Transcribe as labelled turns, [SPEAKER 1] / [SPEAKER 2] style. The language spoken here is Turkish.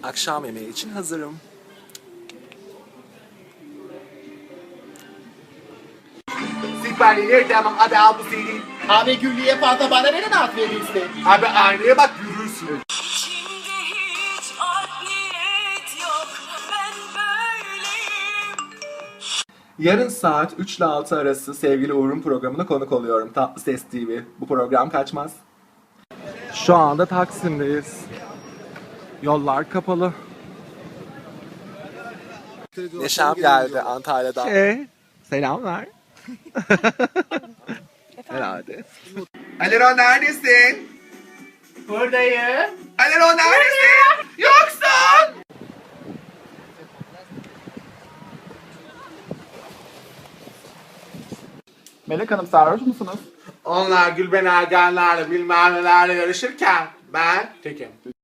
[SPEAKER 1] Akşam yemeği için hazırım.
[SPEAKER 2] Siperliğini ertemem abi al bu CD.
[SPEAKER 3] Abi Güllü'ye fazla bana neden at verirsin?
[SPEAKER 2] Abi aynaya bak yürürsün.
[SPEAKER 4] İçimde hiç art niyet yok. Ben böyleyim.
[SPEAKER 1] Yarın saat 3 ile 6 arası sevgili Uğur'un programına konuk oluyorum. Tatlı Ses TV. Bu program kaçmaz. Şu anda Taksim'deyiz. Yollar kapalı. Neşem geldi Antalya'dan. Selamlar. Herhalde.
[SPEAKER 2] Alero neredesin?
[SPEAKER 3] Buradayım.
[SPEAKER 2] Alero neredesin? Yoksun.
[SPEAKER 3] Melek Hanım sarhoş musunuz?
[SPEAKER 2] Onlar Gülben Ergenlerle bilmem nelerle yarışırken ben tekim.